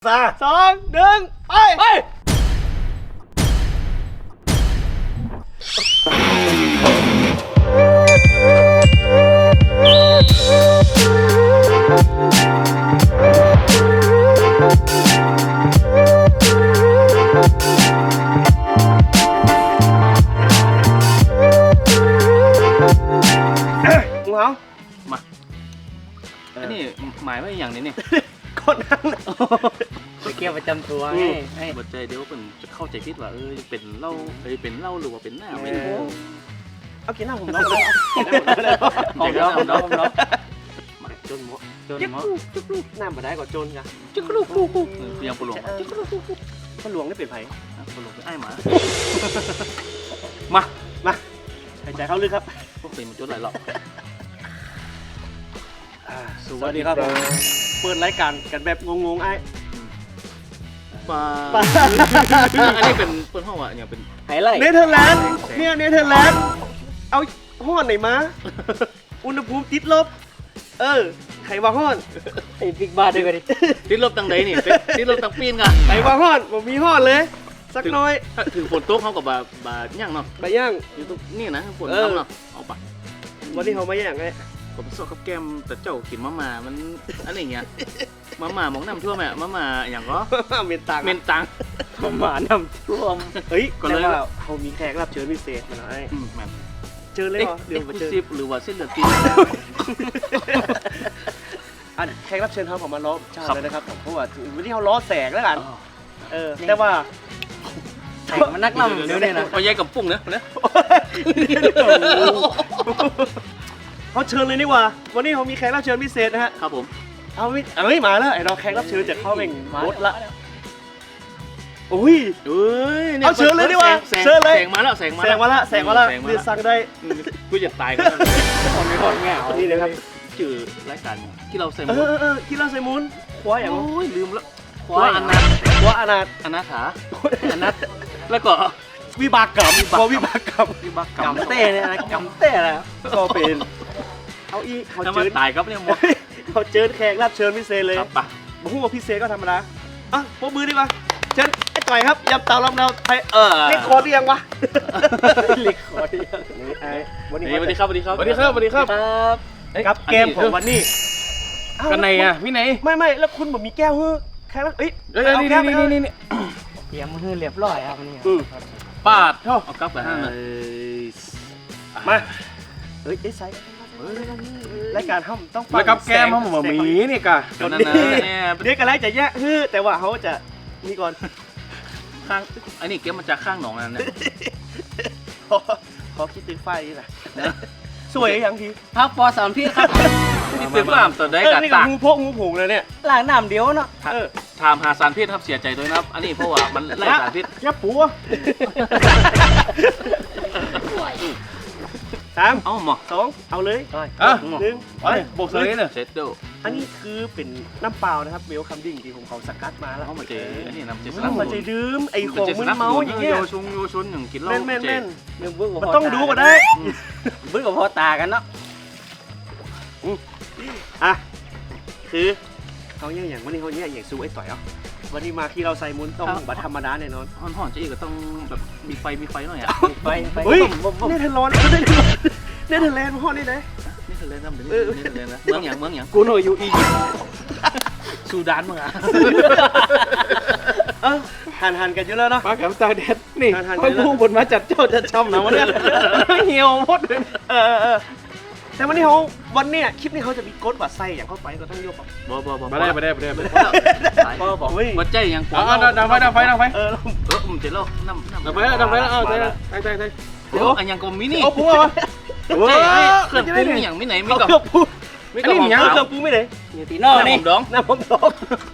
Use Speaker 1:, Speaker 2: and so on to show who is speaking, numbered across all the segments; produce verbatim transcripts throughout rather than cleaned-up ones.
Speaker 1: สามสองหนึ่งไปไปงูเห่า
Speaker 2: มาอันนี้หมายว่าอย่างนี้เนี่ย
Speaker 1: คนนั่ง
Speaker 3: ไปเกี่ยวประจำตัวไงไอ้
Speaker 2: บัดใจเดี๋ยวเป็นจะเข้าใจผิดว่าเออเป็นเหล้าเออเป็นเหล้าหรือว่าเป็นหน้าไม่รู้
Speaker 1: เอากินหน้าผมน้องเลย
Speaker 2: เอาเดี๋ยวเอาเดี๋ยวเอาเดี๋ยว
Speaker 1: มาจนหมด
Speaker 3: จนหมด
Speaker 1: จุกลูกน้ำมาได้ก่อนจนกัน
Speaker 2: จุกลูกลูกยังปลวง
Speaker 1: จุกลูกลูกปลวงได้เปลี่ยนไผ่
Speaker 2: ปลวงเป็นไอ้หมา
Speaker 1: มามาหายใจเข้าลึกครับ
Speaker 2: พวกเป็นมันจนหลายหรอก
Speaker 1: สวัสดีครับเปิดรายการกันแบบงงๆไอ้
Speaker 2: ปลาอันนี้เป็นเปิดห้องอ่ะอย่างเป็น
Speaker 3: ไฮไลท์
Speaker 1: เนเธอร์แลนด์เนี่ยเนเธอร์แลนด์เอาห้อนไหนมาอุณหภูมิติดลบเออไขว่าห้อน
Speaker 3: ไอ้บิ๊กบ้าด้วยกันดิ
Speaker 2: ติดลบตังใดนี่ติดลบตังปีนกัน
Speaker 1: ไขว่าห้อนผมมีห้อนเลยสักน้อย
Speaker 2: ถึงฝนตกเขากับบาบาย่างเนาะ
Speaker 1: บาย่าง
Speaker 2: อยู่ตรงนี่นะฝนตกเนาะเอาปะ
Speaker 1: วันนี้เขามาย่างไง
Speaker 2: ผมสอบกับแก้มแต่เจ้ากินมะม่ามันอะไรเงี้ยมะม่ามองน้ำท่วมแม่มะม่าอย่างก็
Speaker 1: เมนตัง
Speaker 2: เมนตัง
Speaker 3: มะม่าน้ำท่วม
Speaker 1: เฮ้ยก็เลยว่าเขามีแขกรับเชิญพิเศษมาหน่อยเจอเลยเหรอ
Speaker 2: เดี๋ยวมาเจอหรือว่าเส้นเลือดตี
Speaker 1: อันแขกรับเชิญเขาผมมาล้อชาเลยนะครับเพราะว่าวันนี้เขาล้อแสกแล้วกันเออแต่ว่า
Speaker 3: แสกมันนักล่ำเดี๋ยวนี้นะ
Speaker 2: เอาแยกกับปุ้งนะนะ
Speaker 1: เขาเชิญเลยนี่ว่าวันนี้เขามีแขกรับเชิญพิเศษนะฮะ
Speaker 2: ครับผม
Speaker 1: เอาไม่เอ้ยมาแล้วไอ้เราแขกรับเชิญจากเข้าเองรถละโอ้ย
Speaker 2: เอ้ย
Speaker 1: เอาเชิญเลยดีว่าเชิญเลย
Speaker 2: แสงมาแล้วแสงมา
Speaker 1: แสงมาแล้วแสงมาแล้วคือสั่งได้
Speaker 2: กูจะตายก็
Speaker 1: คนไม่คนแง่นี่นะครับ
Speaker 2: ชื่อรายการที่เราใส่
Speaker 1: มุนเออเออที่เราใส่มุนคว้าอย่าง
Speaker 2: โอ้ยลืมแล้ว
Speaker 1: คว้าอนาถคว้าอนาถ
Speaker 2: อนาถาอนาถแล้วก็
Speaker 1: วิบากกรรมพอวิบากกรรม
Speaker 2: วิบากกรรม
Speaker 3: กำเต้เนี่ยนะกำเต้แล้ว
Speaker 1: ก็เป็นเอาอีเขาเจอ
Speaker 2: ตายครับเนี่ยหมด
Speaker 1: เขาเจอแขกรับเชิญพิเศษเลย
Speaker 2: ครับปะ
Speaker 1: บอกว่าพิเศษก็ธรรมดาอ่ะพวกมือดีกว่าเชิญไอ้ต่อยครับยำเตาลำเราไทยเออเล็กคอร์ดยังวะ
Speaker 3: เล็กคอร์ด
Speaker 1: นี่ไอ้
Speaker 2: วันนี้สวัสดีครับสวัสดีครับ
Speaker 1: สวัสดีครับสวัสดีครับกับเกมของวันนี้
Speaker 2: กันไหนอ่ะพี่ไหน
Speaker 1: ไม่ไม่แล้วคุณบอกมีแก้วเฮ้ยแค่แล้วเอ้ย
Speaker 2: นี่นี่นี่นี่
Speaker 3: เตรียมมือเรียบร้อยครับนี่
Speaker 2: ปาดเท่าเอากลับไปห้าง
Speaker 1: มาเฮ้ยไอ้ไซรายการห้องต้อง
Speaker 2: แล้วกับแก้มห้องหมีนี่กะ
Speaker 1: ตอนนี้เด็กอะไรจะแยกฮือแต่ว่าเขาจะนี่ก่อน
Speaker 2: ข้างอันนี้เกมมาจากข้างหนองนั่นเนี่ย
Speaker 1: ขอคิดถึงไฟนี่แหละสวยอย่างที
Speaker 3: พักปอสามพี่ครับ
Speaker 2: นี่เป็นฟาร์มตัวได้กัน
Speaker 1: ตากงูพกงูผงเลยเนี่ย
Speaker 3: ล้างน้ำเดียวเนาะ
Speaker 2: ถามหาสารพิษครับเสียใจด้วยนะครับอันนี้เพราะว่ามันไล่สารพิษ
Speaker 1: ยับปัวสาม
Speaker 2: เอาหมอ
Speaker 1: สองเอาเลย
Speaker 2: อ่ะ
Speaker 1: หนึ่ง
Speaker 2: ไปโบกเลยเนี่ยเซ็ตโด
Speaker 1: อันนี้คือเป็นน้ำเปล่านะครับเวลคัมดิ้งที่ผมเขาสกัดมาแล้ว
Speaker 2: เขามาเจออันนี้น้ำเจส
Speaker 1: น้ำมาเจดื่มไอ้ของมึนเมาอย่างเงี้ย
Speaker 2: โยชุงโยชุนอย่างกินเหล้า
Speaker 1: แม่นแม่นแม่น
Speaker 3: มัน
Speaker 1: ต้องดูก่อนได้
Speaker 3: บึ้งกับพ่อตากันเนาะ
Speaker 1: อ่ะคือเขาเนี่ยอย่างวันนี้เขาเนี่ยอย่างซูไอ้ต่อยอ่ะวันนี้มาที่เราใส่มุนต้องบัตรธรรมดาแน่นอน
Speaker 2: ห่อนห่อนจะอีกก็ต้องแบบมีไฟมีไฟหน่อยอ่ะ
Speaker 3: ไฟไฟ
Speaker 1: เฮ้ยเนี่ยเทนร้อนเนี่ยเทนแลนด์ห่อนนี่ไหน
Speaker 2: นี่เทนแลนด์ทำเป็นนี่เทนแลนด์นะเมืองอย่างเมืองอย่าง
Speaker 1: กูหน่อยอยู่อียิปต์
Speaker 2: ซูดานมึงอ่ะ
Speaker 1: เออหันหันกันอยู่แล้วเนาะ
Speaker 2: ปากกับตาแดดนี่พอพูดบนมาจัดเจ้าจะช่ำนะวันนี้เหี่ยวหมดเลย
Speaker 1: เออเออแต่วันนี้เขาวันเนี้ยคลิปนี้เขาจะมีกดว่าไส้อย่างเข้าไปก็ต้องยก
Speaker 2: บ่บ่บ่
Speaker 1: ไม่ได้ไม่ได้ไม่ได้ไม่ได้
Speaker 2: บ่บ่บ่ใจยัง
Speaker 1: อ๋อดังไฟดังไฟดังไฟเออ
Speaker 2: เออผมจะเล่าน้ำน้ำ
Speaker 1: ดังไฟแล้วดังไฟแล้วเออใช่ใช่ใช่ใช่
Speaker 2: เดี๋ยวอันยังก็มินี่
Speaker 1: เอาปูวะ
Speaker 2: ใจเครื่องปรุงอย่างมิไหนมิกับ
Speaker 1: มิกับหอมเครื่องปรุงไม่ไหน
Speaker 3: อยู่ตีนอกนี่
Speaker 1: ดองน้ำผมดอง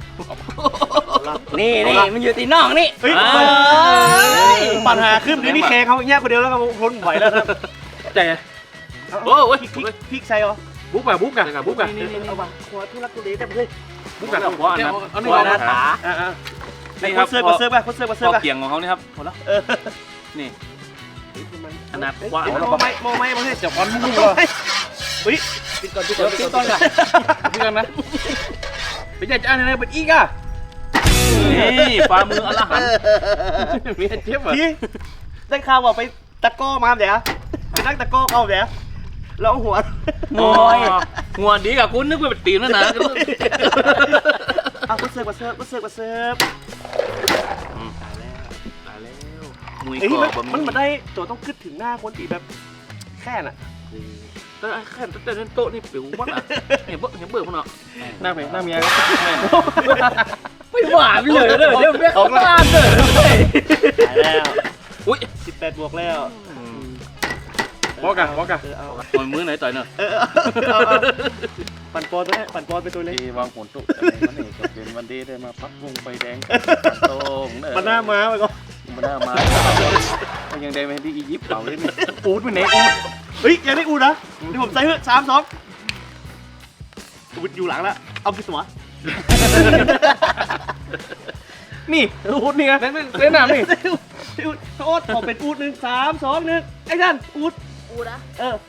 Speaker 3: นี่นี่มันอยู่ตีนอกนี่
Speaker 1: ปัญหาขึ้นเดี๋ยวนี้แข่เขาแยกคนเดียวแล้วครับทนไหวแล้วครับใจ
Speaker 2: โอ้ย
Speaker 1: พริกใส่เหรอ
Speaker 2: บุ๊กอะบุ๊กอะบุ๊กอะ
Speaker 1: นี่นี่เอามาขวดทุลักทุเลแต่เฮ้ย
Speaker 2: บุ๊กอะขวดอันนั้นขวดนะขา
Speaker 1: นี่ครับเซิร์ฟเซิร์ฟไปเซิร์ฟเซิร์ฟไป
Speaker 2: เกี่ยงของเขานี่ครับหมดแล้วนี่อันนั้นขวด
Speaker 1: โมไม่โมไม่โมไม่จับควันมุ่งเลยเฮ้ยปิดก่อนปิดก่อนปิดก่อนกัน
Speaker 2: ปิดก่อนนะ
Speaker 1: ไปจัดจานอะไรเป็นอีกอ่ะ
Speaker 2: นี่ฝ่ามืออรหันต์มีเจ็บเหรอ
Speaker 1: พี่ได้ข่าวว่าไปตะก้อมาเดี๋ยวไปนั่งตะก้อเอาเดี๋ยวแล้วเอาหัว
Speaker 2: โอ้ยหัวดีกับคุณนึกว่าเป็นตีนแล้วนะ
Speaker 1: เอามาเสิร์ฟมาเสิร์ฟมาเสิร์ฟมาเสิร์ฟ
Speaker 2: ตายแล้วตายแล้วมวย
Speaker 1: เอ้ย
Speaker 2: ก่อ
Speaker 1: มัน
Speaker 2: บะห
Speaker 1: มันมาได้ตัวต้องขึ้นถึงหน้าคนตีแบบแค่น่ะ
Speaker 2: แต่แค่แต่เล่นโต๊ะนี่ปิวมัดอ่ะเห็นเบิร์เห็นเบิร์พวกเนาะ
Speaker 1: หน้าเมียหน้าเมีย
Speaker 3: ไม่หวานเลยเด้อเดี๋ยวเรียกเขาบ้านเด้อ
Speaker 1: ตายแล้ว
Speaker 2: อุ้ย
Speaker 1: สิบแปดบวกแล้ว
Speaker 4: บอกกันบอกกัน
Speaker 1: เออเอา
Speaker 2: มวยมือไหนต่อยเนาะ
Speaker 1: เออเอาเอาปั่นปอนไปปั่นปอนไปตัวเล็ก
Speaker 4: ที่วางผลตุกวันนี้ก็เป็นวันดีได้มาพักวงไฟแดงโต้งเด้อ
Speaker 1: มันหน้าม้าไปก่อน
Speaker 4: มันหน้ามามันยังได้ไปที่อียิปต์เปล่าเลยนี่อูดไปไหนอูด
Speaker 1: เฮ้ยยังได้อูนะเดี๋ยวผมใส่เพื่อสามสองอูดอยู่หลังแล้วเอาขึ้นสมอ
Speaker 4: นี่อูดนี่ไงเล่นเล่นน้ำนี่
Speaker 1: อูดโอ๊ตขอเป็นอูดหนึ่งสามสองหนึ่งไอ้ท่านอูด
Speaker 5: อูนะ
Speaker 1: เออ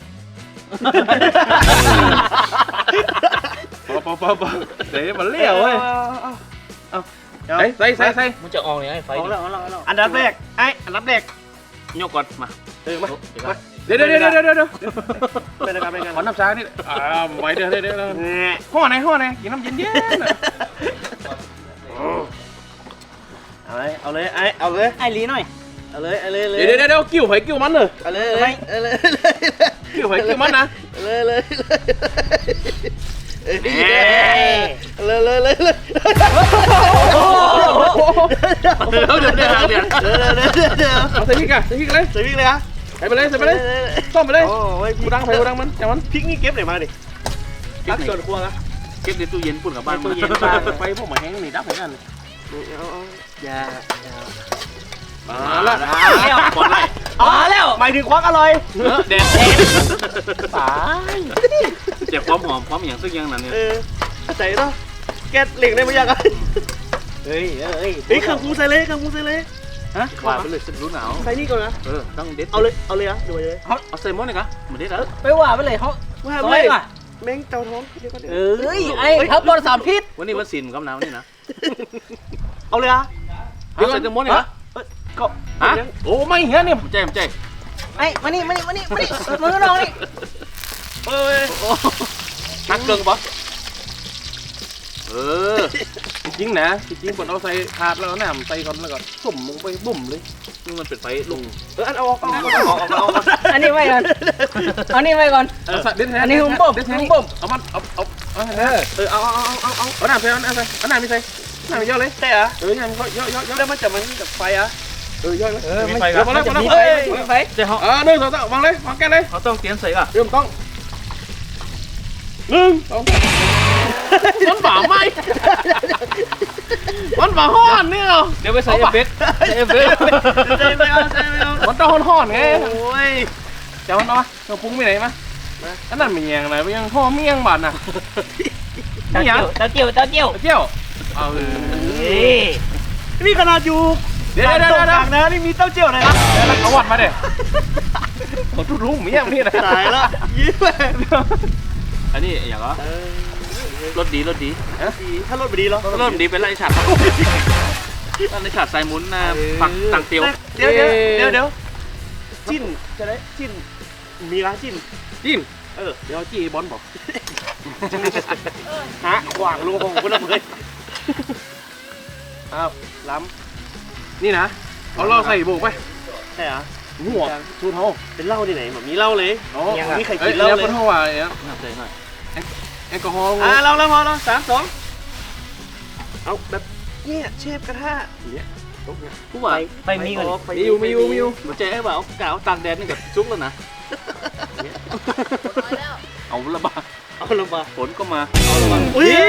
Speaker 4: ปอปอปอปอเดี๋ยวมันเลี้ยวเว้ย
Speaker 1: เอาเอา
Speaker 4: ใส่ใส่ใส่ใส่
Speaker 2: มันจะออกยังไงไฟ
Speaker 1: เอาแล้วเอาแล้วเอาแล้วอันดับแรกไอ้อันดับแรก
Speaker 2: ยกก่อนมา
Speaker 1: เออมามา
Speaker 4: เดี๋ยวเดี๋ยวเดี๋ยวเดี๋ยวเดี๋ยว
Speaker 1: เป็นอะไรกันเป็นกัน
Speaker 4: ขอน้ำชานี่อ่าไว้เดี๋ยวเดี๋ยวเดี๋ยว
Speaker 1: เนี่ย
Speaker 4: ห่อไหนห่อไหนกินน้ำเย็นเย็น
Speaker 1: เอาเลยเอาเลยไอ้เอาเลย
Speaker 3: ไอ้ลีหน่อย
Speaker 1: เอาเลยเอาเลยเลย
Speaker 4: เดี๋ยวเดี๋ยวเดี๋ยวกิ้วไผ่กิ้วมันเลย
Speaker 1: เอาเลยเอาเลยเอาเลย
Speaker 4: กิ้วไผ่กิ้วมันนะ
Speaker 1: เลยเลยเลยเลยเลยเลยเลย
Speaker 2: เขาเดินได้ทางเดียว
Speaker 4: เอาใส่พริกอะใส่พริกเลย
Speaker 1: ใส่พริกเลยฮะ
Speaker 4: ใส่ไปเลยใส่ไปเลยต้มไปเลย
Speaker 1: โอ้ย
Speaker 4: กูดังไผ่กูดังมันจังมัน
Speaker 1: พริกนี่เก็บไหนมาดิตักส่วนครัวนะ
Speaker 2: เก็บในตู้เย็นปุ่นกับบ้าน
Speaker 4: ตู้เย็นบ้านไปพวกหมาแห้งนี่ดับเหมือนกัน
Speaker 1: เอาเอาอย่าอย่า
Speaker 4: มาละ
Speaker 2: บอลไล่
Speaker 3: มาแล้ว
Speaker 1: หมายถึงควักอร่อย
Speaker 2: แดด
Speaker 4: ตาย
Speaker 2: เจ็บความหอมความอย่างซึ่งยังนั่นเนี่ย
Speaker 1: เออใส่เนาะแกเหล็กได้ไหมยังไง
Speaker 3: เฮ้ยเฮ้ย
Speaker 1: เฮ้ยเครื่องปรุงใส่เลยเครื่องปรุงใส่เลย
Speaker 2: ฮะว่าไปเลยสิรู้หนาว
Speaker 1: ใส่นี่ก่อนนะ
Speaker 2: เออต้องเด็ด
Speaker 1: เอาเลยเอาเลยอะดูเลย
Speaker 2: เอาใส่หมดเลยกะมาเด็ดแล้ว
Speaker 3: ไปว่าไปเลยเขา
Speaker 1: ว่า
Speaker 3: ซอ
Speaker 1: ไม่
Speaker 3: ยว่ะ
Speaker 1: แมงเจ้าท้องเดี๋ยวก็เดี๋ยว
Speaker 3: เอ้ยไอ้ทับบอลสามพิษ
Speaker 2: วันนี้วันศิลป์กับหนาวนี่นะ
Speaker 1: เอาเลยอะ
Speaker 2: เอาใส่ทั้งหมดเลยเหรอ
Speaker 1: ก็
Speaker 2: ฮะ
Speaker 4: โอ้ไม่เหี้ยนี่
Speaker 2: ใจใจ
Speaker 3: ไอ้มานี่มานี่มานี่มานี่มือน้องนี่
Speaker 1: เอ้ย
Speaker 2: นักเกินปะเออ
Speaker 4: จริงๆนะจริงๆคนเอาใส่ถาดแล้วน้ำใส่ก่อนแล้วก็สุ่มลงไปบุ่มเลย
Speaker 2: นี่มันเป็นไฟลง
Speaker 1: เอออันเอาออกเอาออกเอาออกเอาออก
Speaker 3: อันนี้ไว้ก่อนอันนี้ไว้ก่อน
Speaker 4: เอาใส่เด็ดแท้
Speaker 3: อันนี้หุ้มบ่ม
Speaker 4: เด็ดแท้
Speaker 3: หุ้มบ่ม
Speaker 4: เอามันเอาเอาเอา
Speaker 1: เออเออเอาเอาเอาเอาเอา
Speaker 4: เอาน้ำใส่เอาน้ำใส่เอาน้ำไม่ใส่น้ำไม่เยอะเลย
Speaker 1: ใช่เหรอ
Speaker 4: เออน้ำก็เยอะเยอะเยอะ
Speaker 1: แล้วมันจะมันกับไฟอะ
Speaker 4: เออเยอะเลย
Speaker 3: เออไม่
Speaker 4: เดี๋ยวพอแล้วพอแล้ว
Speaker 3: มีไฟมีไฟ
Speaker 2: เจ้าเขา
Speaker 4: เออหนึ่งสองสามวางเลยวางแก้เลย
Speaker 2: เขาต้องเตรียมใส่ก่ะ
Speaker 4: เริ่มต้องหนึ่งสองมันบ่าไหมมันบ่าห้อนเนี่ยเหรอ
Speaker 2: เดี๋ยวไปใส่เอฟเฟกต์ใส่เอฟเฟกต์
Speaker 1: ใช่ไม่เอาใช่ไม่เอา
Speaker 4: มันต้องห้อนๆไง
Speaker 1: โอ้ย
Speaker 4: เจ้ามันเอามาเราปรุงไปไหนมาอันนั้นมันยังไงมันยังห่อเมี่ยงบาดน่ะ
Speaker 3: ตะเกียวตะเกียวตะเกียว
Speaker 4: เจ้าเอาเลย
Speaker 3: เฮ้ย
Speaker 1: นี่ขนาดอยู่
Speaker 4: เดี๋ยวเดี๋ยว
Speaker 1: ตก
Speaker 4: เดี๋ยว
Speaker 1: กลางนะนี่มีเต้าเจี้ยวเลยนะ
Speaker 4: แล้วเขาวัดมาเด้เขาทุรุ่มเมี่ยงนี่นะ
Speaker 1: ตายแล้วยิ้มเลย
Speaker 2: อันนี้อย่างก็รถดีรถดี
Speaker 1: ดีถ้ารถไม่ดีเหรอ
Speaker 2: รถดีเป็นไรฉัดนั่นในฉัดใส่หมุนนะผักต่างเตียว
Speaker 1: เดี๋ยวเดี๋ยวเดี๋ยวเดี๋ยวจิ้นจะได้จิ้นมีร้านจิ้น
Speaker 4: จิ้ม
Speaker 1: เออ
Speaker 4: เดี๋ยวจีบอลบอก
Speaker 1: ฮะขวางลงของคุณเลยอ้าวล้
Speaker 4: นี่นะเอาเราใส่โบกไป
Speaker 1: ำใช่เหรอ
Speaker 4: หัวชูเท้า
Speaker 1: เป็นเหล้าที่ไหนแบบมีเหล้าเลย
Speaker 4: อ๋อ
Speaker 1: มีใคร
Speaker 4: เอ้
Speaker 1: กิ
Speaker 4: ย
Speaker 1: นเหล้า
Speaker 4: แล้ว
Speaker 1: เล
Speaker 4: คน
Speaker 1: ย
Speaker 4: เท่าไหร่เนี่ย
Speaker 2: น่าใจหน่อย
Speaker 4: แอลกอฮอล์
Speaker 1: อ่าเราเราพอเราสามสองเอาแบบเนี่ยเชฟกระทะเนี่ย
Speaker 2: ผู้ว่า
Speaker 3: ไปมีก่อน
Speaker 4: มีอยู่มีอยู่มีอยู่
Speaker 2: มันใจไอ้บ่าวกาวตากแดดนี่กับซุกแล้วนะ
Speaker 5: น้อยแล้ว
Speaker 2: เอาละบ้า
Speaker 1: เอาลงมา
Speaker 2: ฝนก็มา
Speaker 1: อุ้ย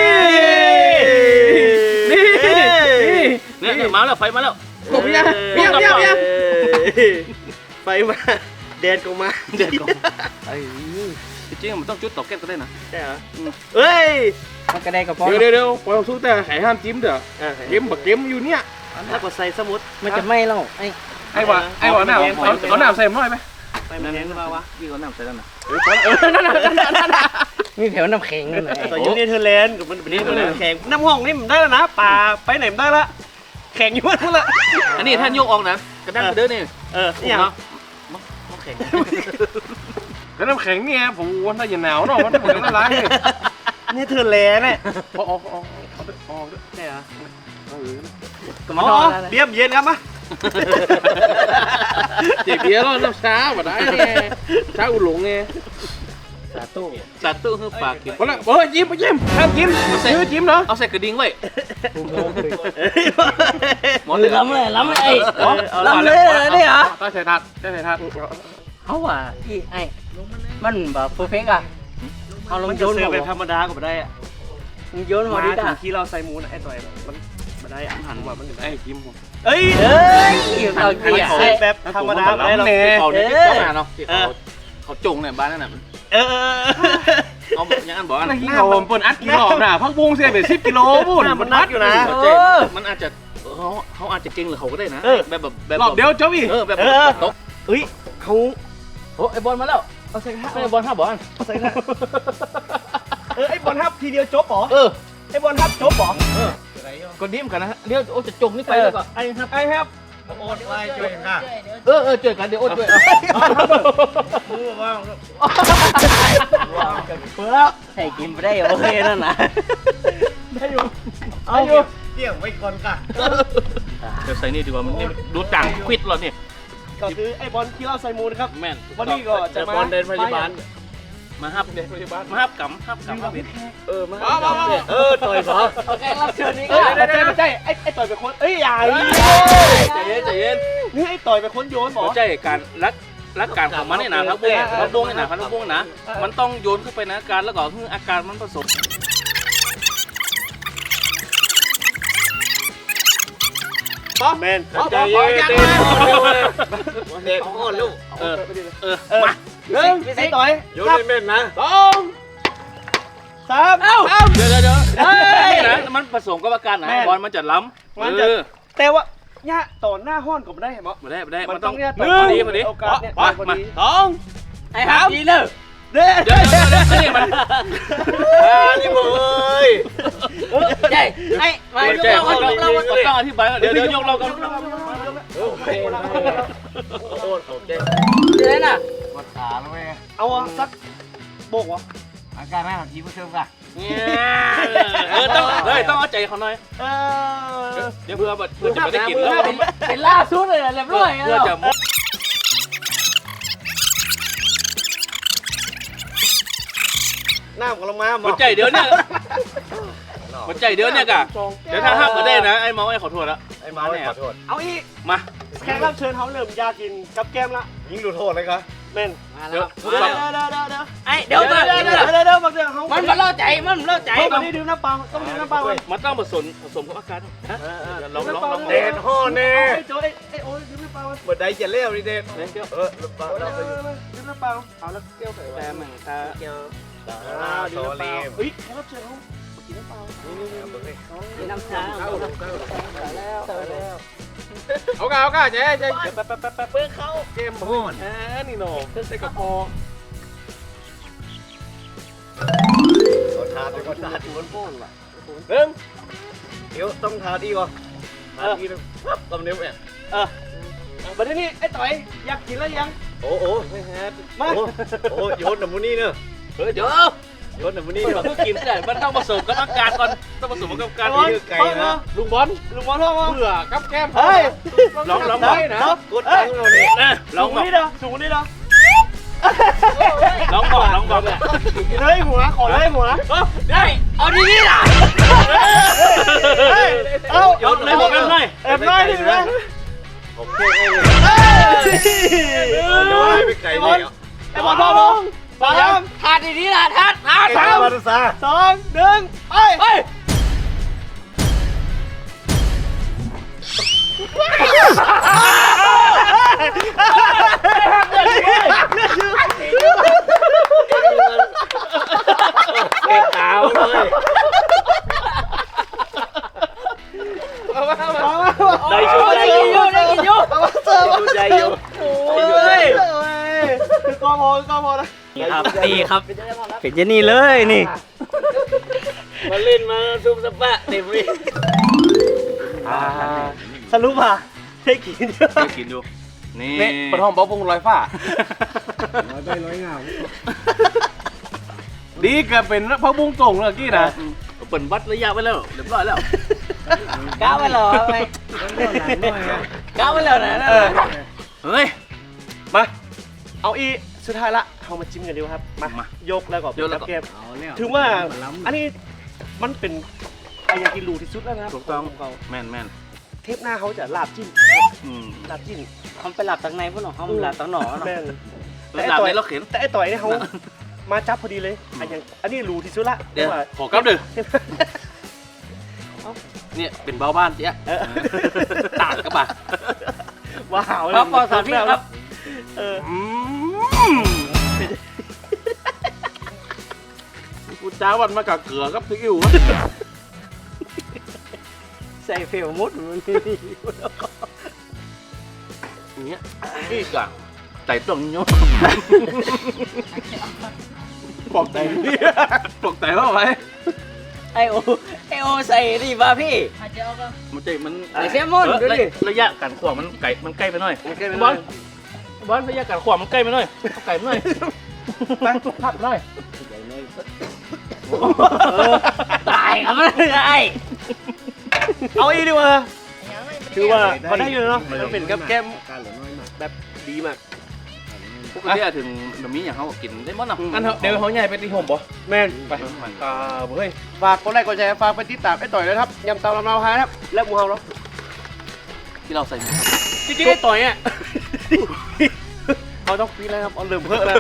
Speaker 4: นี่นี่
Speaker 2: เนี่ยเนี่ยมาแล้วไฟมาแล้ว
Speaker 4: กบยังเบี้ยเบี้ยเบี้ย
Speaker 1: ไฟมาแดนก็มา
Speaker 2: เด็ดก่อนไอ้จริงๆมันต้องจุดต่อแก้วก็ได้นะ
Speaker 1: ใช่เหรอเฮ้ย
Speaker 3: มันกระไดกับพอ
Speaker 4: เดี๋ยวเดี๋ยวเดี๋ยวพอเราสู้แต่ไข่ห้ามจิ้มเด้อ
Speaker 1: อ่ะ
Speaker 4: เกมบักเกมอยู่เนี่ย
Speaker 1: ถ้ากดใส่สมุด
Speaker 3: มันจะไหม้แล้วไอ้
Speaker 4: ไอ้หวะไอ้หวะหน้าเอาเอาหน้าใส่หน่อยไหม
Speaker 1: ไปมันแข็งหรือเปล่าวะ
Speaker 2: พี่เขานำใส่แล้วนะ
Speaker 1: เออเออนั่นน่ะนั่นน่ะนั่นน่ะ
Speaker 3: มีแถวน้ำแข็งนั่นแหละ
Speaker 1: ต่อยูเนเธอร์แลนด์กับมันเป็นแข็งน้ำห้องนี่มันได้แล้วนะป่าไปไหนมันได้ละแข็งอยู่นั่นละ
Speaker 2: อันนี้ท่านยกออกนะกระด้างกระเด้อนี่
Speaker 1: เออนี่อย่าง
Speaker 2: น้ำแข็ง
Speaker 4: แล้วน้ำแข็งเนี่ยผมวันถ้าอย่าหนาวเนาะมันเหมือนละลายเลย
Speaker 1: เนเธอร์แลนด์เนี่ย
Speaker 4: พอออกออกออก
Speaker 1: ใช่เหรอ
Speaker 4: เออ
Speaker 1: อ๋อเบียมเย็นครับมะ
Speaker 4: เจ็บเบี้ยแล้วน้ำช้าบ่ได้เนี่ยช้าอุ่นหลงไง
Speaker 3: สาตู้
Speaker 2: สัตว์ตู้คือปากกิน
Speaker 4: พอละเฮ้ยจิ้มไปจิ้มห้ามจิ้มยื้อจิ้มเนาะ
Speaker 2: เอาใส่กระดิ่งไว้หมอ
Speaker 3: ห
Speaker 2: เหลือ
Speaker 3: ล้ำเลยล้ำเลยไอ้ล้ำเลยนี่เหรอ
Speaker 4: ใต้ใส่ทัดใต้ใส่ทัด
Speaker 3: เขาว่าอีไอ้มันแบบเพอร์เฟกต์อ่ะเอาล
Speaker 1: มั
Speaker 3: ง
Speaker 1: น
Speaker 3: โย
Speaker 1: จะ
Speaker 3: น
Speaker 1: เสิร์ฟ
Speaker 3: หั
Speaker 1: แบบธรรมดาก็ไม่ได้อะ
Speaker 3: มึงโยนหัว
Speaker 1: มา
Speaker 3: ดิ
Speaker 1: ถึ
Speaker 3: จ้ะ
Speaker 1: งที่เราใส่หมูนะไอ้ต่อยมันไม่ได้อาหารว่ามัน
Speaker 4: ไอ้จิ้มผม
Speaker 1: เอ้ย
Speaker 3: เอ้ยเอาเกี่ย
Speaker 1: เสิร์ฟแบบธรรมดาไม่ได้หรอก
Speaker 2: เขาเนี่ยต้องมาเนาะเขาเขาจงเนี่ยบ้านนั่นน่ะ
Speaker 1: เออ
Speaker 2: เอาอย่างนั้นบอก
Speaker 4: อะไร
Speaker 2: นะ
Speaker 4: ที่เขาเปิดอัดกิโลน่ะพักบุ้งเสียไปสิบกิโลบุ้น
Speaker 1: มันนักอยู่นะ
Speaker 2: เจ๊มันอาจจะเขาเขาอาจจะเก่งหรือเขาก็ได้นะแบบแบบแบบ
Speaker 4: รอบเดียวเจ้าอี
Speaker 2: เออแบบตก
Speaker 1: เฮ้ยเขา
Speaker 3: โอ้ไอ้บอลมาแล้ว
Speaker 1: เอาใส่ข้าว
Speaker 3: ไอ้บอลห้าบอล
Speaker 1: เอาใส่ข้าวเออไอ้บอลฮับทีเดียวจบเหรอ
Speaker 2: เออ
Speaker 1: ไอ้บอลฮับจบเหรอ
Speaker 2: ก็ดิ้มกันนะเดี๋ยวโอ้จะจงนี่ไปแล้วก็ไอ้ครับ
Speaker 1: ไอ้ฮับโอนไว้ช่วยค่ะ
Speaker 2: เออเออเจอกันเดี๋ยวโอ้ช่วย
Speaker 1: มือว่าง
Speaker 3: เปิดแล้วให้กินไปได้โอเคนั่นนะ
Speaker 1: ได้อยู่เอาอยู่เกี่ยงไว้ก่อนค่ะ
Speaker 2: เดี๋ยวใส่นี่ดีกว่ามันดูจังควิดเราเนี่ย
Speaker 1: ก็คือไอ้บอลที่เราใส่มูนะครับ
Speaker 2: แม่น
Speaker 1: วันนี้ก็จะมา
Speaker 2: มาฮับเด็กพยาบาลมาฮับกำฮับกำฮับ
Speaker 1: เออมาเออต่อยขอ
Speaker 3: แขกรับเชิญนี่
Speaker 1: เอ
Speaker 3: ก็
Speaker 1: อไม่ใช่ไม่ใช่ไอ้ไอ้ต่อยเป็นคนเอ้ยอย่า
Speaker 2: ใจเย็นใจเย็น
Speaker 1: นี่ไอ้ต่อยเป็นคนโยนหมอ
Speaker 2: ไม่ใช่การรักรักการของมันเนี่ยนะพักบุ้งพักบุ้งเนี่ยนะพักบุ้งนะมันต้องโยนขึ้นไปนะการแล้วก็คืออาการมันผสม
Speaker 1: แมน
Speaker 2: ใจเย็นเด็ก
Speaker 1: เด็กอ่อนลูก
Speaker 2: เออเออ
Speaker 1: เออ
Speaker 2: มา
Speaker 1: หนึ่งไอ้ต่อย
Speaker 4: โยนให้แม่นนะ
Speaker 1: สองสามเอ้า
Speaker 2: เดี๋ยวเดี๋ยวเดี๋ยวนี่นะมันผสมกับอาการนะบอลมันจะล้ำ
Speaker 1: มันจะแต่ว่าเนี่ยต่อหน้าห้อนก็ไม่ได้เห็นไหม
Speaker 2: ไม่ได้ไม่ได้
Speaker 1: มั
Speaker 2: มัน น
Speaker 1: ต้
Speaker 2: ต้
Speaker 1: อ
Speaker 2: อง ง
Speaker 1: เนี่ย
Speaker 2: พอดีพอดี
Speaker 1: โอกาสเนี่ย
Speaker 2: มา
Speaker 1: พอ
Speaker 2: มา
Speaker 1: ดี
Speaker 2: สอง
Speaker 3: ไอ้ครับดีเลย
Speaker 1: เด้
Speaker 2: เดี๋ยวเดี๋ยวเดี๋ยวนี่มันนี่มึงเอ้ย
Speaker 3: ใช่ไอ้มา
Speaker 2: ไม่
Speaker 3: ยก
Speaker 2: ใช่
Speaker 3: เรา
Speaker 2: เขา
Speaker 3: ยกเรา
Speaker 2: ต้องอธิบายเดี๋ยวเดี๋ยวยกเรากัน
Speaker 3: เดี๋ยวน่ะ
Speaker 1: เอาสักโบกวะ
Speaker 3: อาการไม่ของทีมผู้ชมกัน
Speaker 2: เออต้องเฮ้ยต้องเอาใจเขาหน่อย
Speaker 1: เออ
Speaker 2: เดี๋ยวเพื่อเพื่อจะไม่ได้กินแล้ว
Speaker 3: เป็นล่าสุดเลยเรียบร้อย
Speaker 2: เพื่อจะ
Speaker 1: หน้าของเรามาหม
Speaker 2: หัวใจเดี๋ยวเนี่ยหัวใจเดี๋ยวเนี่ยกะเดี๋ยวถ้าห้ามก็ได้นะไอ้เมาไอ้ขอโทษละ
Speaker 1: ไอ้มาขอโทษเอาอีก
Speaker 2: มา
Speaker 1: แขกรับเชิญเขาเริ่มอยากกินกับแก้มละ
Speaker 4: ยิงดูโทษเลยครับ
Speaker 1: เม่น
Speaker 3: มา
Speaker 2: เดี๋
Speaker 3: แล้
Speaker 2: ยว
Speaker 3: ว
Speaker 1: เดี๋ยวเดี๋ยวเดี๋ยวเดี๋ยว
Speaker 3: ไอ้เดี๋ยว
Speaker 1: เดี๋ยวเดี๋ยวเดี๋ยวเดี๋ยวเดี๋ยวบางเดี๋ยวเขา
Speaker 3: มันมันเล่าใจมันเล่าใจ
Speaker 1: เขาวันนี้ดื่มน้ำเปล่าต้องดื่มน้ำเปล่าก่อน
Speaker 2: มันต้องผสมผสมกับอาการฮะลองลองลอง
Speaker 1: เด็ดห่อเน่ไอ้โจ้ไอ้ไอ้โอ้ยดื่มน้ำเปล่า
Speaker 4: เปิดได้จะเลี้ยวดิเด็ด
Speaker 2: เดี๋ยว
Speaker 4: เออลูกปลาเราไป
Speaker 1: ดื่มน้ำเปล่าเอาแล้วเกี่ยวใส่ไว้
Speaker 2: แต่เหมือนตา
Speaker 3: เกี่ยว
Speaker 1: อ่าดื่มน้ำเปล่าเฮ้ยแขกรับเชิญเขากินน้ำเปล่า
Speaker 3: มีน้ำชาแล้วแล้ว
Speaker 4: เอากาเอากาเจ๊เจ๊
Speaker 1: แป๊บแป๊บแป๊บแป๊บเพื่อเขา
Speaker 4: เกมโหดอ่านี่โน่ใส่กระพอ
Speaker 1: ทานเป็นคนทานคนพ่นว่ะ
Speaker 4: หนึ่ง
Speaker 1: เดี๋ยวต้องทานดีก่อนทานดีเลยปั๊บลำเนี้ยแม่เออบัดนี้ไอ้ต่อยอยากกินแล้วยัง
Speaker 4: โอ้โห
Speaker 1: มา
Speaker 4: โอ้โยนหนุ่มนี่เนอะ
Speaker 2: เฮ้ยเดี๋ยว
Speaker 4: โยนหนุ่มนี่
Speaker 2: มันต้องกินได้มันต้องผสมกับอาการก่อนต้องผสมกับอาการ
Speaker 1: นี่
Speaker 2: นี่
Speaker 1: ไก่นะ
Speaker 4: ลุงบอล
Speaker 1: ลุงบอลพ่อมา
Speaker 4: เผื่อกับแก้ม
Speaker 1: เฮ้ย
Speaker 2: ลองลอง
Speaker 1: ได้
Speaker 2: บอก
Speaker 1: นะกดตังค์เราเนี่ย
Speaker 2: นะล
Speaker 1: สู
Speaker 2: อง
Speaker 1: ง
Speaker 2: บอก
Speaker 1: นี่เด้อสูงนี่เด้อ
Speaker 2: ลองบอกลองบอก
Speaker 1: เฮ้ยหัวขอเลยหัว
Speaker 2: ได้เอาดีนี่ล่ะ
Speaker 1: เอา
Speaker 2: ยกเลยบอกกันเลย
Speaker 1: แอบน้อยดิแม่
Speaker 4: ผมเท่ให้เลย
Speaker 1: เฮ้ย
Speaker 4: ไปไก่เลย
Speaker 1: ไอ้บอลพ่อมองสาม
Speaker 3: ทานดีๆล่ะทานทาน
Speaker 1: สามสองหนึ่งไปไป
Speaker 4: เก็บขาวเลย
Speaker 3: ได้ชุดได้กินอยู่ได้กินอยู่
Speaker 1: เอามาเสิร์ฟ
Speaker 4: ใจอยู่
Speaker 1: โอ้ยก็พอก็พอนะ
Speaker 3: นี่ครับนี่ครับเป็นอย่างนี้เลยนี่
Speaker 2: มาเล่นมาซุ่มสปะเต็มเลย
Speaker 1: สรุปอ่ะใช่กินเยอะ
Speaker 2: เดี๋ยวกินดูนี่
Speaker 4: เนี่ยปฐมบ๊อบพงลอยฟ้า
Speaker 5: ร้อยใบร้อยเงา
Speaker 4: ดีเกิดเป็นพระบุ้งส่งเลยกี้นะ
Speaker 2: เปิดวัดระยะไปแล้วเรียบร้อยแล้ว
Speaker 3: ก้าวไปหรอไปก้าวไปแล้วนะ
Speaker 1: เออ
Speaker 2: เฮ้ย
Speaker 1: มาเอาอีสุดท้ายละเอามาจิ้มกันดีกว่าครับมาม
Speaker 2: าย
Speaker 1: กแล้วก็
Speaker 2: ยกแล้วก็
Speaker 1: เกม
Speaker 5: เอาเนี่ย
Speaker 1: ถือว่าอันนี้มันเป็นไอยากินรูที่สุดแล้วนะครับ
Speaker 2: ถูกต้อง
Speaker 1: ขเขา
Speaker 2: แม่นแม่น
Speaker 1: เทปหน้าเขาจะลาบจิ้ม
Speaker 2: อืม
Speaker 1: ลาบจิ้ม
Speaker 3: เขาไปหลับตั้งในพุ่นหรอเขาหลับตั้งหนอเนาะ
Speaker 1: แม่น
Speaker 2: แล้วหลับในรถเข็น
Speaker 1: แต่ไอต่อยเนี่ยเขามาจับพอดีเลยอันยังอันนี้รูที่สุดละ
Speaker 2: เดี๋ยว
Speaker 1: ว่า
Speaker 4: ขอกลับดึเนี่ยเป็นเบาบ้านเจ๊
Speaker 1: เออ
Speaker 4: ต่างกับบ่า
Speaker 1: ว้าว
Speaker 3: ครับปอสามพี่ครับ
Speaker 1: เออ
Speaker 4: อืมกูจ้าวันมากับเกลือกับซีอิ๊ววะ
Speaker 3: ใส่เฟลมุดมันนี่
Speaker 4: อย่างเงี้ย
Speaker 2: อีกอ่ะใจตรงโย
Speaker 4: บอกใจบอกใจว่าไว้
Speaker 3: ไอโอไอโอใส่ดิบ้าพี่
Speaker 2: มันใจมัน
Speaker 3: ไอเซลมอน
Speaker 2: เออ
Speaker 3: ดูดิ
Speaker 2: ระยะการขวางมันไกลมันใกล้ไปหน่อย
Speaker 1: มันใกล้ไป
Speaker 2: บ
Speaker 1: หน่
Speaker 2: อ
Speaker 1: อ
Speaker 2: ล
Speaker 1: ย
Speaker 2: บอลระยะการขวางมันใกล้ไปหน่อยเอาไก่ไปหน่อย
Speaker 1: ไปพัดหน่อย
Speaker 3: ตายครับไม่ได้
Speaker 1: เอาอีกดีกว่าถือว่าพอได้อยู่เนาะมันเป็นกับแก้ม
Speaker 5: การเหลือน้อยมาก
Speaker 1: แบบดีมาก
Speaker 2: ปกติอะถึงแบบนี้อย่างเขาก็กินได้หมดเนาะ
Speaker 4: อันเถอะเดี๋ยวเขาใหญ่ไปตีห่มบ่
Speaker 1: แม่น
Speaker 4: ไปอ่าเฮ้ย
Speaker 1: ฝากกดไลค์กดแชร์ฝากไปติดตามไอ้ต่อยเลยครับยำเตาลำนาวฮาครับและหมูเฮาเนาะ
Speaker 2: ที่เราใส่หมู
Speaker 1: จริงๆไอ้ต่อยอ่ะเขาต้องฟีดแล้วครับเอาเริ่มเพิ่มแล้ว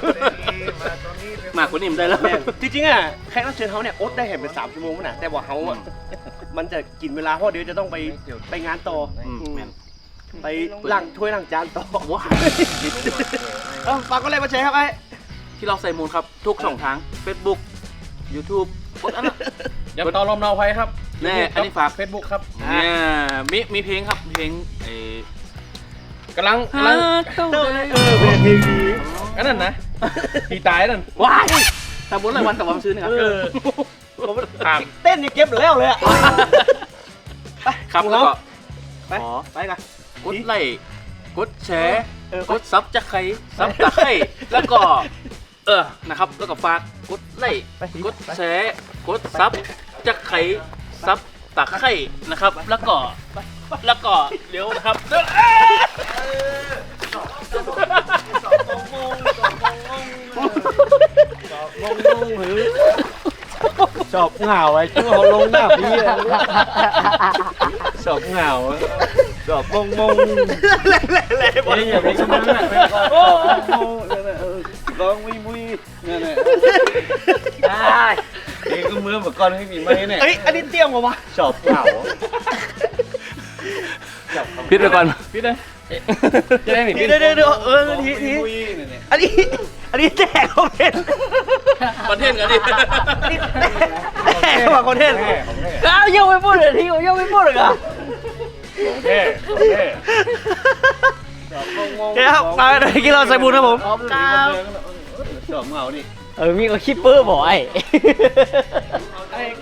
Speaker 2: มากกว่านี้มันได้แล้ว
Speaker 1: แม่นจริงๆอ่ะแขกรับเชิญเขาเนี่ยอดได้เห็นเป็นสามชั่วโมงนะแต่ว่าเขาอ่ะมันจะกินเวลาเพราะเดี๋ยวจะต้องไปไปงานต่อ
Speaker 2: อืมแม่น
Speaker 1: ไปล้างถ้วยล้างจานต่อ
Speaker 2: ว้า
Speaker 1: เอ้าฝากกดไลค์กดแชร์ครับไอ้
Speaker 2: ที่เราใส่มูลครับทุกช่องทาง Facebook YouTube กดอันนั้น
Speaker 4: อย่าต่อลมเราไฟครับ
Speaker 2: แน่อันนี้ฝาก
Speaker 4: เฟซบุ๊กครับ
Speaker 2: เนี่ยมีมีเพลงครับเพลงไอ้
Speaker 4: กำลังกำลัง
Speaker 1: เออเป็นเพลงดี
Speaker 4: อันนั้นนะตีตายนั่น
Speaker 2: ว้ายทำบุญรายวันกับวันซื้อนะครับ
Speaker 1: เออ
Speaker 4: ถาม
Speaker 1: เต้นนี่เก็บแล้วเลยอ่ะไป
Speaker 2: ครับ
Speaker 1: หมู
Speaker 2: แล้ว
Speaker 1: เฮา
Speaker 2: ก็
Speaker 1: ไป
Speaker 2: ขอ
Speaker 1: ไปกัน
Speaker 2: กดไลค์กดแชร์
Speaker 1: เออ
Speaker 2: กดซับจะใครซับตะไคร้แล้วก็ เออนะครับแล้วก็ฝากกดไลค์
Speaker 1: ไป
Speaker 2: กดแชร์กดซับจะใครซับตะไคร้นะครับ แล้วก็แล้วก็เดี๋ยวนะครับ
Speaker 5: ชอบเหงาไอ้ชั่วเขาลงหน้าพี่ชอบเหงาชอบมงมง
Speaker 1: แหล่แหล่แหล่บอล
Speaker 5: นี่อย่าไปชนะชอบมงนั่นแหละร้องมุยมุยนั่นแหละ
Speaker 3: ได้
Speaker 5: เองก็มือเหมือนก้อนไม่มีไม้เนี่ย
Speaker 1: เอ้ยอันนี้เตรียมมาวะ
Speaker 5: ชอบเหงา
Speaker 2: พิดไปก่อน
Speaker 4: พี่เลยจะได้หนี
Speaker 1: เดี๋ยวเดี๋ยวเดี๋ยวเออทีที
Speaker 5: มุยเนี่ย
Speaker 1: อันนี้อันนี้แจกคอนเทนต์
Speaker 2: คอนเทนต์กันดิ
Speaker 1: อันนี้แจกว่าคอนเทนต์
Speaker 3: ก้าวยังไม่พูดเลยทียังไม่พูดเลยอ่ะ
Speaker 4: เท่เท่
Speaker 1: โอเคครับมาเลยกินเราใส่บุญครับผม
Speaker 5: ชอบเหงาดิ
Speaker 3: เออมีก็คิปเปอร์บอกไอ้